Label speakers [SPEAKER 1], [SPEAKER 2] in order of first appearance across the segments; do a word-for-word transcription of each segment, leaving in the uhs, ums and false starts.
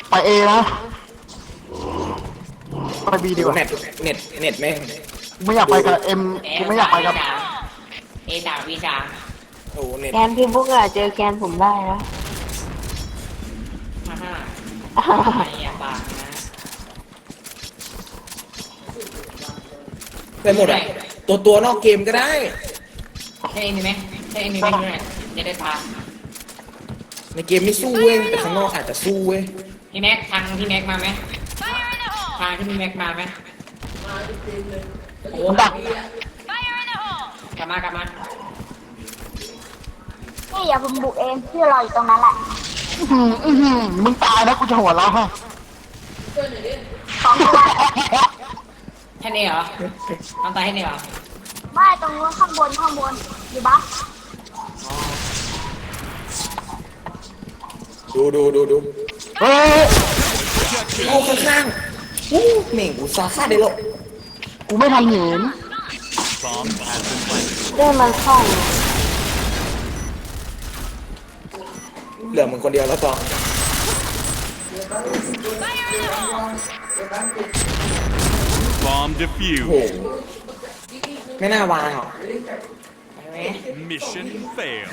[SPEAKER 1] ไปเอนะไปบีดีกว่า
[SPEAKER 2] เน็ตเน็ตเน็ตแม่ง
[SPEAKER 1] กูไม่อยากไปกับเอ็มกูไม่อยากไปกับ
[SPEAKER 3] เอสามวีสาม
[SPEAKER 2] โอ้เน็ต
[SPEAKER 4] แกนพี่บุ๊กอะเจอแกนผมได้นะ
[SPEAKER 3] ฮ่าฮ่าไม่อยากปากนะ
[SPEAKER 2] ไปหมดอ่ะตัวตัวนอกเกมก็ได้
[SPEAKER 3] ใช่เอ็มมีไหมใช่เอ็มมีไหมด้วยจะได้พา
[SPEAKER 2] ในเกมไม่สู้เว้ยแต่ข้างนอกอาจจะสู้เว้ย
[SPEAKER 3] พี่แม็กทางพี่แม็กมาไหมทางที่พี่แม็กมาไหมโอ้
[SPEAKER 1] มันดัก
[SPEAKER 3] กลับมากลับมา
[SPEAKER 5] นี่อย่าผมบุกเองพี่รออยู่ตรงนั้นแหละ
[SPEAKER 1] อื้อหืออื้อหือมึงตายนะกูจะหัวเราะให้
[SPEAKER 5] สองตัว
[SPEAKER 3] แค่นี้เหรอน้องตายแค่นี้เหรอ
[SPEAKER 5] ไม่ตรงนู้นข้างบนข้างบนอยู่บ้าน
[SPEAKER 2] ดูดูดูดู
[SPEAKER 1] เฮ้ย
[SPEAKER 2] เอาข้างๆวู้เหม่งกูซาฆ่าได้หรอก
[SPEAKER 1] กูไม่ทันเห็น
[SPEAKER 4] เล่นมันคล่อง
[SPEAKER 2] เหลือมึงคนเดียวแล้วต่อ
[SPEAKER 6] Bomb
[SPEAKER 2] โอ้โห
[SPEAKER 6] defused.
[SPEAKER 2] ไม่น่าวางหรอก
[SPEAKER 3] ไปไหม
[SPEAKER 6] Mission failed.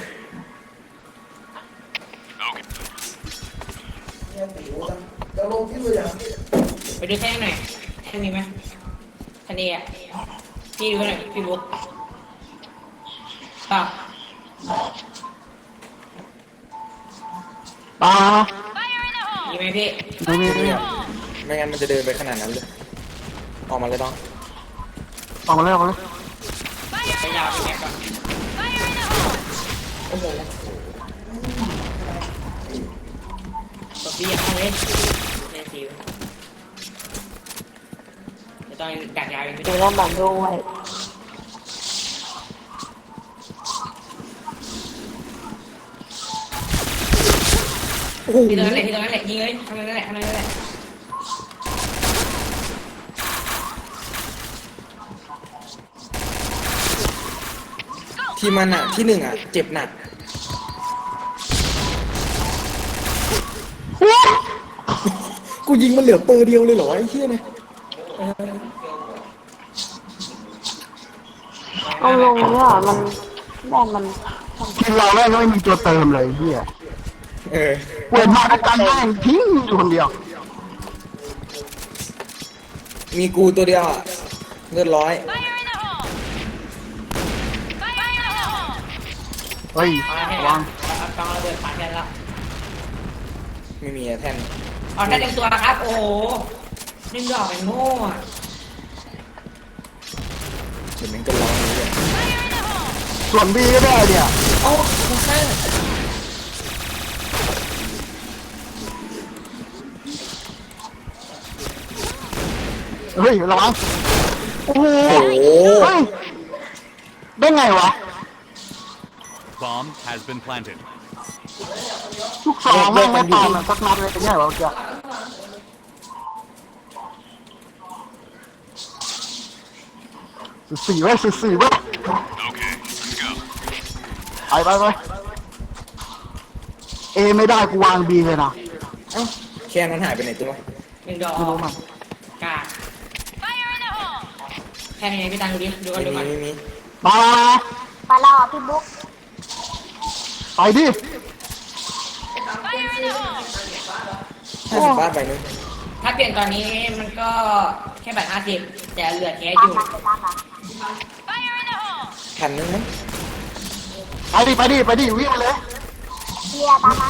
[SPEAKER 3] ไปดูแท่งหน่อยแท่งมีไหมแท่งนี้อ่ะพี่ดูหน่อยพี่บุ๊กต่อ
[SPEAKER 1] ตา
[SPEAKER 3] มีไหมพี่
[SPEAKER 1] ไม่มีไม่มี
[SPEAKER 2] ไม่งั้นมันจะเดินไปขนาดนั้นเลยออกมาเลยต้อง
[SPEAKER 1] ออกมาเลยออกมาเลย
[SPEAKER 3] ไปยาวพี่แม็กก่อนโอ้โหตัวพี่ยังเอาเลยเล่นซิวจะต้องกัดยาวอีกไม่
[SPEAKER 4] เดี๋
[SPEAKER 3] ได้
[SPEAKER 4] ยวเล่นบังด้วย
[SPEAKER 2] โอ้โห
[SPEAKER 3] ที่ตรงนั้นแหละที่ตรงนั้นแหละยิงเลยทำนั่นแหละทำนั่นแหละ
[SPEAKER 2] ที่มันอ่ะที่หนึ่งอ่ะเจ็บหนักกูยิงมันเหลือเปอร์เดียวเลยเหรอไอ้เหี้ยเนี่ย
[SPEAKER 4] เอาลงเนี่ยมันแม่มัน
[SPEAKER 1] ทีมเราแม่งไม่มีตัวเติมเลยเฮีย
[SPEAKER 2] เออ
[SPEAKER 1] เปิดมาด้วยกันแม่งทิ้งอยู่คนเดียว
[SPEAKER 2] มีกูตัวเดียวอ่ะเลือดร้อย
[SPEAKER 1] เฮ้ย
[SPEAKER 3] เอาให้
[SPEAKER 1] ระ
[SPEAKER 3] ละ
[SPEAKER 1] วัง
[SPEAKER 3] เอากองระเบิดปาแทนละ
[SPEAKER 2] ไม่มีอะแท่น
[SPEAKER 3] เอาแค่เต็มตัวนะครับ โอ้โหนิ่งดอกเป็นโง่อะ
[SPEAKER 2] เดี๋ยวมันก็ร้องเลย
[SPEAKER 1] ส่วนบีก็ได้เนี่ย
[SPEAKER 2] เอ้าข้าง
[SPEAKER 1] เฮ้ยระวังโอ้โห
[SPEAKER 2] โอ้โห
[SPEAKER 1] เฮ้ยได้ไงวะ
[SPEAKER 6] Bomb has been planted.
[SPEAKER 1] ลูกสองแม่งไม่ตายมันสักนัดเลยเป็นไงวะเจ้าสิบสี่เว้ยสิบสี่เว้ยไปไปไปเอไม่ได้กูวางบีเลยนะ
[SPEAKER 2] เอ้าแค่นั้นหายไปไหนตัว
[SPEAKER 3] นิ่งดอก
[SPEAKER 1] ไม่รู้มัน
[SPEAKER 3] กาดแค่นี้พี่ตังดูดิดูกัน
[SPEAKER 2] ไม่
[SPEAKER 3] ดู
[SPEAKER 2] มี
[SPEAKER 3] กัน
[SPEAKER 2] ไม่มี
[SPEAKER 1] มา
[SPEAKER 5] ไปรอพี่บุ๊ก
[SPEAKER 1] ไปดิ
[SPEAKER 2] ห้าสิบบาทไปนึง
[SPEAKER 3] ถ้าเปลี่ยนตอนนี้มันก็แค่บัตรห้าสิบแต่เหลือแค่อ
[SPEAKER 5] ตาม
[SPEAKER 3] ยู่
[SPEAKER 5] มาไปตามมา
[SPEAKER 2] พันนึงมั้ง
[SPEAKER 1] ไปดิไปดิไปดิวิ่งมาเลย
[SPEAKER 5] เฮียตามมา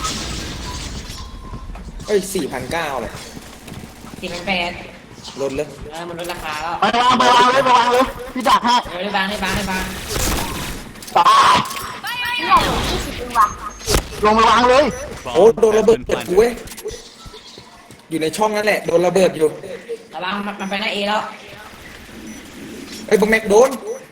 [SPEAKER 2] เอ้ยสี่พันเก้าเลย
[SPEAKER 3] สี่พันแปด
[SPEAKER 2] ลดเลย
[SPEAKER 3] เออมันลดราคาแล้ว
[SPEAKER 1] ไปวางไปวางเลยไปวางเลยพี่ดักให้
[SPEAKER 3] เออได้บางได้บางได้บาง
[SPEAKER 1] ตาย
[SPEAKER 5] เนี่ยหนูยี่สิบเองว่ะ
[SPEAKER 1] ลงไปวางเลย
[SPEAKER 2] โอ้
[SPEAKER 6] Bomb
[SPEAKER 2] โดนระ
[SPEAKER 6] has
[SPEAKER 2] เบิด
[SPEAKER 6] been
[SPEAKER 2] กู
[SPEAKER 6] planted.
[SPEAKER 2] เว้ยอยู่ในช่องนั่นแหละโดนระเบิดอยู่
[SPEAKER 3] ระวังมันมันไปหน้าเอแล้ว
[SPEAKER 2] ไอ้ยบักแม็กโดน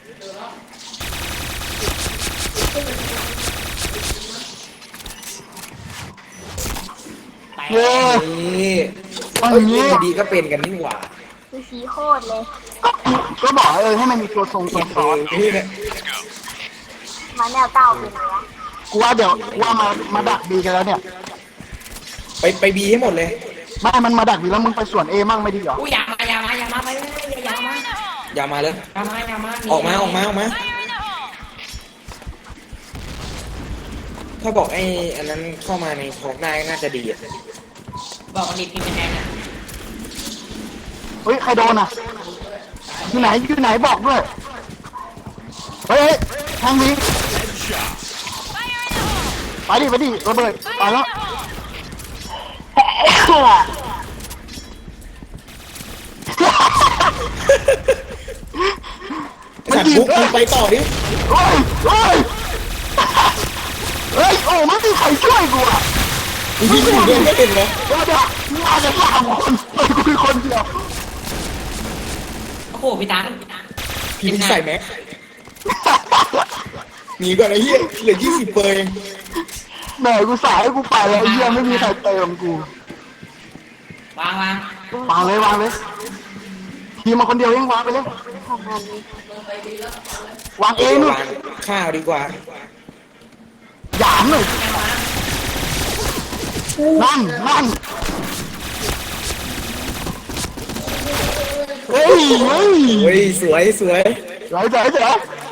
[SPEAKER 3] แตก
[SPEAKER 1] เย้
[SPEAKER 2] นี่
[SPEAKER 1] อัน
[SPEAKER 2] เอ้ย
[SPEAKER 1] นี้
[SPEAKER 2] เล่นดีๆก็เป็นกันนี่หว่า
[SPEAKER 5] คือสีโคตรเลย
[SPEAKER 1] ก็ก็บอกเออให้มันมีตัวทรงตัวซ้อน
[SPEAKER 2] เออนี่เนี่ย
[SPEAKER 5] มาแนวเก้าเป็นไงวะ
[SPEAKER 1] กูว่าเดี๋ยวกูว่ามามาดักดีกันแล้วเนี่ย
[SPEAKER 2] ไปไปบีให้หมดเลย
[SPEAKER 1] ไม่มันมาดักอยู่แล้วมึงไปสวนเอมั่งไม่ดีเหรอ
[SPEAKER 3] อุ้ยอย่ามาอย่ามาอย่ามาไปเลยอย่ามา
[SPEAKER 2] อย่ามาเลย
[SPEAKER 3] อย่ามาอย่ามา
[SPEAKER 2] ออกมาออกมาออกมาถ้าบอกไอ้อันนั้นเข้ามาในทอกได้น่าจะดีอ่ะ
[SPEAKER 3] บอกกันดิพิมพ์เป็นแดงนะ
[SPEAKER 1] เฮ้ยใครโดนอ่ะอยู่ไหนอยู่ไหนบอกด้วยเฮ้ยทางนี้
[SPEAKER 6] Headshot.
[SPEAKER 1] ไปดิไปดิระเบิดไปแล้ว
[SPEAKER 2] สัตว์บุ๊กมึงไปต่อดิ
[SPEAKER 1] เฮ้ยเฮ้ยเฮ้ยโอ้ไม่มีใครช่วยกูอ่ะ
[SPEAKER 2] กูยิงอยู่ด้วยไม่เป็นเลย
[SPEAKER 1] เดี๋ยวเดี๋ยวมึงอาจจะสามคนเฮ้ยกูคือคนเดียว
[SPEAKER 3] โอ้โหพี่ตัง
[SPEAKER 2] พี่มึงใส่แม็กหนีก่อนไอ้เหี้ยเหลือยี่สิบเปอร์เอง
[SPEAKER 1] แหมกูสายให้กูไปแล้วไอ้เหี้ยไม่มีใครเติมกู
[SPEAKER 3] วางวาง
[SPEAKER 1] วางเลยวางเลยทีมมาคนเดียวยังวางไปเลย
[SPEAKER 4] ทำงานนี้
[SPEAKER 1] วางเองนู่น
[SPEAKER 2] วางข้าวดีกว่า
[SPEAKER 1] หยามหน่อยนั่นนั่นเฮ้ยเฮ้ย
[SPEAKER 2] เฮ้ยสวยสวย
[SPEAKER 1] เจ๋อเจ๋อเจ๋อ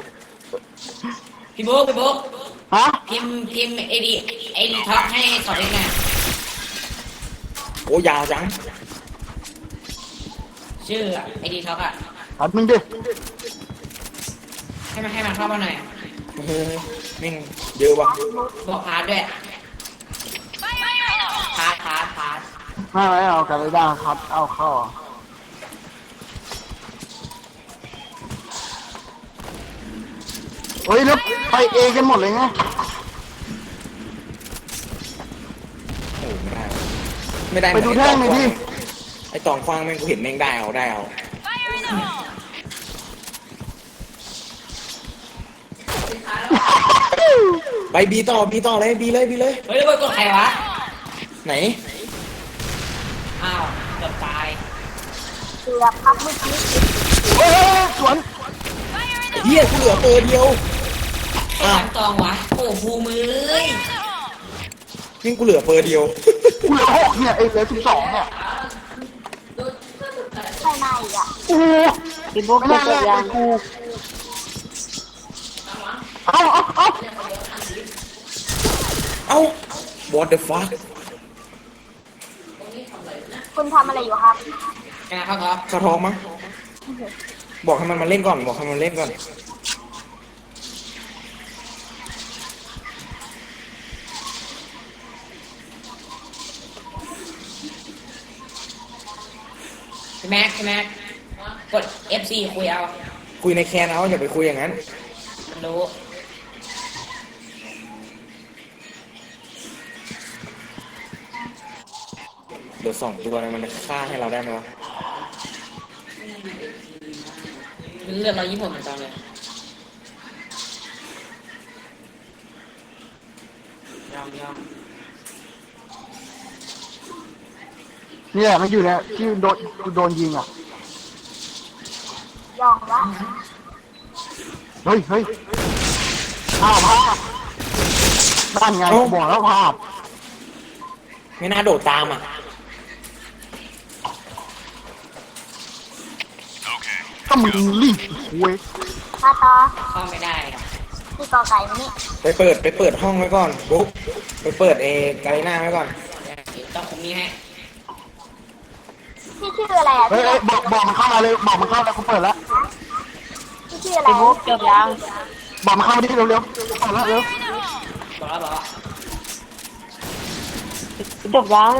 [SPEAKER 3] พี่บุ๊กพี่บุ๊ก
[SPEAKER 1] ฮะ
[SPEAKER 3] พิมพ์พิมพ์ไอดีไอดีท็อกให้สอนเล็กหน่อย
[SPEAKER 2] โอ้ยาวจัง
[SPEAKER 3] ชื่อไอดีท็อกอะ
[SPEAKER 1] อัดมึงดิ
[SPEAKER 3] ให้มันให้มันเข้ามาหน่อย
[SPEAKER 2] เฮ้ยแม่งเยอะว่ะ
[SPEAKER 3] บอกพาร์ทด้วยพาร์ทพาร์ทพาร์ท
[SPEAKER 1] ไม่ไม่เอากันเลยได้ครับเอาเข้าอ่ะเฮ้ยแล้วไปเอกันหมดเลยไง
[SPEAKER 2] โอ้ไม่ได้ ไม่ได้
[SPEAKER 1] ไปดูแท่งหน่อยดิ
[SPEAKER 2] ไอ้ตองฟางแม่งกูเห็นแม่งได้เอาได้เอาไปบีต่อบีต่อเลยบีเลยบีเลย
[SPEAKER 3] เฮ้ยแล้วกดใครวะ
[SPEAKER 2] ไหน
[SPEAKER 3] อ้าวเกือบตาย
[SPEAKER 5] เกือบครับเมื่อกี้
[SPEAKER 1] เฮ้ยสวน
[SPEAKER 2] เฮียกูเหลือเปอร์เดียว
[SPEAKER 3] ไอ้ตังตองวะโอ้ภูมือ
[SPEAKER 2] นี่กูเหลือเปอร์เดียว
[SPEAKER 1] กูเหลือหกเนี่ยไอ้เหลือสิบสองเนี่ย
[SPEAKER 5] ใช่ไหมอ่ะ
[SPEAKER 1] โอ้
[SPEAKER 4] พี่บุ๊ก
[SPEAKER 1] ไม่
[SPEAKER 4] จะ
[SPEAKER 1] น่า
[SPEAKER 4] จ
[SPEAKER 1] แล
[SPEAKER 4] บ
[SPEAKER 1] ก
[SPEAKER 4] ยัง
[SPEAKER 1] กูเอาเอาเอา
[SPEAKER 2] เอ้า what the fuck
[SPEAKER 5] คุณทำอะไรอยู่ครับ
[SPEAKER 3] แกเข้าท็อป
[SPEAKER 2] เข้าท้องมั้งบอกให้มันมาเล่นก่อนบอกให้มันเล่นก่อน
[SPEAKER 3] พี่แม็กพี่แม็กกด เอฟ ซี คุยเอา
[SPEAKER 2] คุยในแคนเอาอย่าไปคุยอย่างนั้น
[SPEAKER 3] มันรู้
[SPEAKER 2] เดี๋ยวสองตัวมันฆ่าให้เราได้ไหมวะ
[SPEAKER 3] เลือดเราญี่ปุ่นเหมือนกันเลยยอมยอม
[SPEAKER 1] เนี่ยมันอยู่เนี่ยที่โดนกูโดนยิงอ่ะ
[SPEAKER 5] ยองวะ
[SPEAKER 1] เฮ้ยเฮ้ยภาพภาพนั่นไงบอกแล้วภาพ
[SPEAKER 2] ไม่น่าโดดตามอ่ะ
[SPEAKER 1] ก็มึงรีบเว้ย
[SPEAKER 5] มาต่อ
[SPEAKER 3] เข้าไม่ได้อะ
[SPEAKER 5] ที่กอไก่มานี่
[SPEAKER 2] ไปเปิดไปเปิดห้องไว้ก่อนบุ๊กไปเปิดเอการีน่าไว้ก่อน
[SPEAKER 3] เดี๋ยวต้องคุมนี้ให้
[SPEAKER 5] พี่ชื่ออะไรอ่ะ
[SPEAKER 1] เฮ้ยเฮ้ยบอกบอกมันเข้ามาเลยบอกมันเข้าแล้วกูเปิดแล้ว
[SPEAKER 5] พี่ชื่ออะไร
[SPEAKER 4] พี่บุ๊กจบยัง
[SPEAKER 1] บอกมันเข้ามาดิเร็วเร็วๆเปิดแล้วเร็ว
[SPEAKER 3] บอกแล้วบอกแล้ว
[SPEAKER 4] จบยัง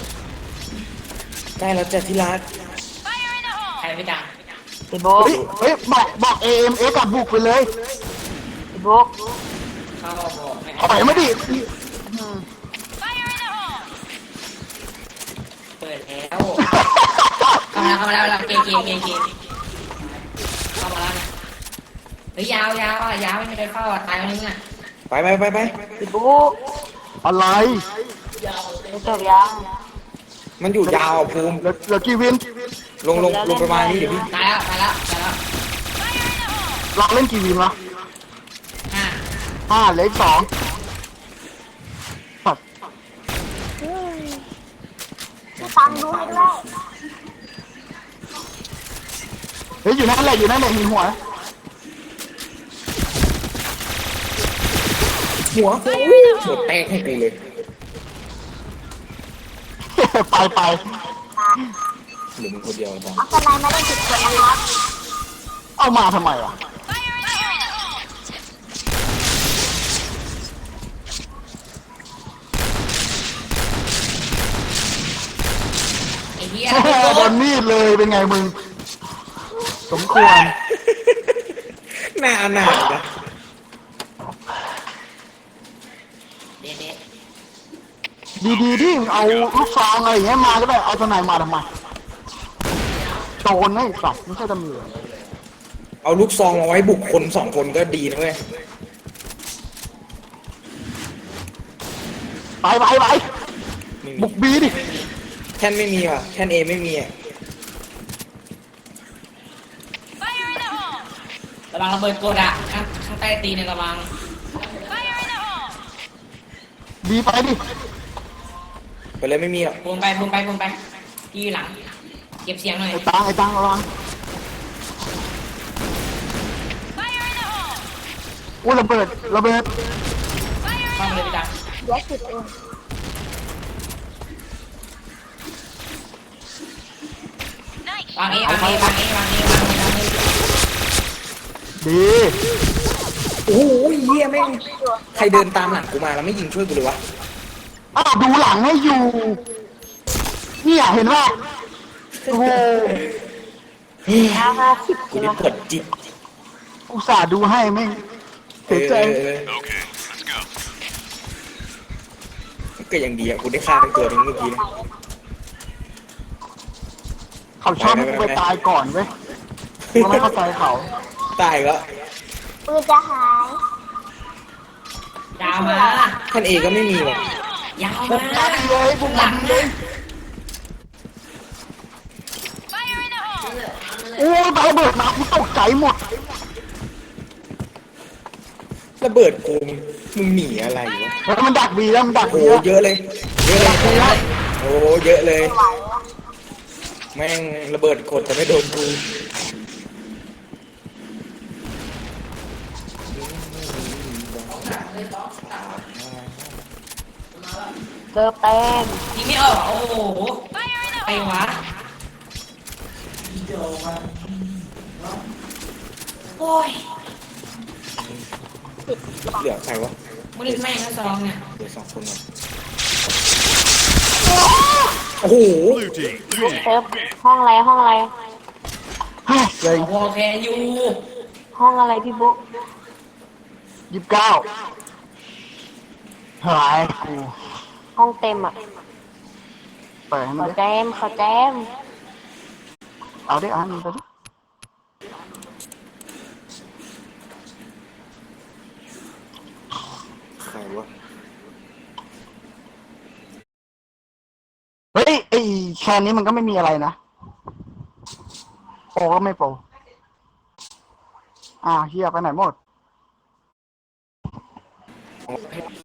[SPEAKER 2] ใกล้แล้วจ้ะที่รัก
[SPEAKER 3] ใครไม่ดัง
[SPEAKER 4] พี่บุ๊ก
[SPEAKER 1] เฮ้ยเฮ้ยบอกบอกเอ็มเอกับบุกไปเลย
[SPEAKER 4] พี่บุ๊ก
[SPEAKER 3] เข้าบอกไม่
[SPEAKER 1] ถอยมาดิ
[SPEAKER 3] เปิดแล้วเข้ามาแล้วเข้ามาแล้วเราเกมเกมเกมเกมเข้ามาแล้วนะเฮ้ยยาวยาวอ่ะยาวไม่มีใครเข้าอ่ะตายวันนึงอ่ะ
[SPEAKER 2] ไปไปไปไป
[SPEAKER 4] พี่บุ๊ก
[SPEAKER 1] อะไร
[SPEAKER 4] จบยัง
[SPEAKER 2] มันอยู่ยาวอ่ะภูมิ
[SPEAKER 1] เหลือเหลือกี่วิน
[SPEAKER 2] ลงลงลงประมาณนี้เดี๋ยวพี่
[SPEAKER 3] ตายแล้วตายแล้วตายแล้ว
[SPEAKER 1] เราเล่นกี่วินวะ
[SPEAKER 3] ห้า
[SPEAKER 1] ห้าเหลืออีกสองสัตว์
[SPEAKER 5] พี่ตังค์ดูให้ด้วย
[SPEAKER 1] เฮ้ยอยู่นั่นแหละอยู่นั่นแหละหินหัว
[SPEAKER 2] หัวหัวแตกให้กูเลย
[SPEAKER 1] ไปไป
[SPEAKER 2] เหลือมึงคนเดียวจ้ะ
[SPEAKER 5] เอาสไนมาเล่นผิดคนนะครับ
[SPEAKER 1] เอามาทำไมวะ
[SPEAKER 3] ไอ้เหี้ย
[SPEAKER 1] โดนมีดเลยเป็นไงมึง สมควร
[SPEAKER 2] หน้าหนาดนะ
[SPEAKER 3] เด็ดเด็ด
[SPEAKER 1] ดีๆที่เอาลูกซองอะไรอย่างเงี้ยมาก็ได้เอาตัวไหนมาทำไมโจรไอ้สัตว์ไม่ใช่ตำรวจ
[SPEAKER 2] เอาลูกซองมาไว้บุกคนสองคนก็ดีนะเว้ย
[SPEAKER 1] ไปไปไป
[SPEAKER 2] ไม่มี
[SPEAKER 1] บุกบีดิ
[SPEAKER 2] แท่นไม่มีว่ะแท่นเอไม่มีอ่ะ
[SPEAKER 3] ระวังระเบิดโกดอะข้างข้างใต้ตีนเนี่ยระวัง
[SPEAKER 1] บีไปดิ
[SPEAKER 2] ไปเลยไม่มีหรอก
[SPEAKER 3] ปูนไปปูนไปปูนไปพี่อยู่หลัง เก็บเสียงหน่อย
[SPEAKER 1] ไอ้ตังไอ้ตังระวังอุ้ยระเบิดระเบิด
[SPEAKER 3] เข้ามาเลยพี่จัง
[SPEAKER 5] เดี๋ยวสิบเอง
[SPEAKER 3] วางเอวางเอวางเอวางเอวางเอวางเอ
[SPEAKER 1] ดี
[SPEAKER 2] โอ้โหเหี้ยแม่งใครเดินตามหลังกูมาแล้วไม่ยิงช่วยกูเลยวะ
[SPEAKER 1] อ้าวดูหลังให้อยู่เนี่ยเห็นว่าโอ้โห
[SPEAKER 4] ห้าห้าสิบ
[SPEAKER 2] กู
[SPEAKER 4] ใช่ไหม
[SPEAKER 2] นี่ปวดจิต
[SPEAKER 1] อุตส่าห์ดูให้แม่ง
[SPEAKER 2] เอ
[SPEAKER 1] เสีย
[SPEAKER 2] อ
[SPEAKER 1] ใจ
[SPEAKER 2] เออ
[SPEAKER 6] Okay, let's go.
[SPEAKER 2] ก็ยังดีอ่ะกูได้ฆ่าทั้งตัวทั้งเมื่อกี้นะ
[SPEAKER 1] เขาชอบให้กูไปตายก่อนเว้ยกูไม่เข้าใจเขา
[SPEAKER 2] ตายแล้ว
[SPEAKER 5] ปืนจะหาย
[SPEAKER 3] ยาวมา
[SPEAKER 2] แท่นเอก็ไม่มีว่ะ
[SPEAKER 3] ยาว
[SPEAKER 1] บุ
[SPEAKER 3] มาก
[SPEAKER 1] มันเลยบุก
[SPEAKER 3] ห
[SPEAKER 1] มั
[SPEAKER 3] ลั
[SPEAKER 1] น
[SPEAKER 3] ง
[SPEAKER 1] เล
[SPEAKER 3] นะ
[SPEAKER 1] ยโอ้ยตาระเบิดมากูตกใจหมด
[SPEAKER 2] ระเบิดกูมึงหนีอะไรวะ
[SPEAKER 1] แล้วมันดักบีแล้วมันดัก
[SPEAKER 2] โอ้
[SPEAKER 1] บี
[SPEAKER 2] โห
[SPEAKER 1] แล้ว
[SPEAKER 2] เยอะเลยเยอะเลยโอ้โหเยอะเลย
[SPEAKER 5] ไหวอะ
[SPEAKER 2] แม่งระเบิดกดแต่ไม่โดนกู
[SPEAKER 4] เกิร์ฟแต้ม
[SPEAKER 3] ยิงไม่ออกโอ้โหไปวะโอ้ย
[SPEAKER 2] เหลือใครวะ
[SPEAKER 3] มึงนี่แม่งทั้งสองเนี่ย
[SPEAKER 2] เหลือสองคนวะโอ้โห
[SPEAKER 6] Blue team
[SPEAKER 4] บุ๊ก
[SPEAKER 6] win.
[SPEAKER 4] เซิร์ฟห้องอะไรห้องอะไร
[SPEAKER 1] เฮ้ยเลย
[SPEAKER 3] โอเคอยู่
[SPEAKER 4] ห้องอะไรพี่บุ๊ก
[SPEAKER 1] ยี่สิบเก้าหายกู
[SPEAKER 4] ห้องเต็มอ่ะ
[SPEAKER 1] เปิดให้
[SPEAKER 4] ข
[SPEAKER 1] มัน
[SPEAKER 4] อ
[SPEAKER 1] ดิ
[SPEAKER 4] แจมขอแจม
[SPEAKER 1] เอาดิเอาอันนี้ไปดิ
[SPEAKER 2] ใครวะ
[SPEAKER 1] เฮ้ยไอ้แคนนี้มันก็ไม่มีอะไรนะโปรก็ไม่โปรอ่าเฮียไปไหนหมด
[SPEAKER 2] เอาให้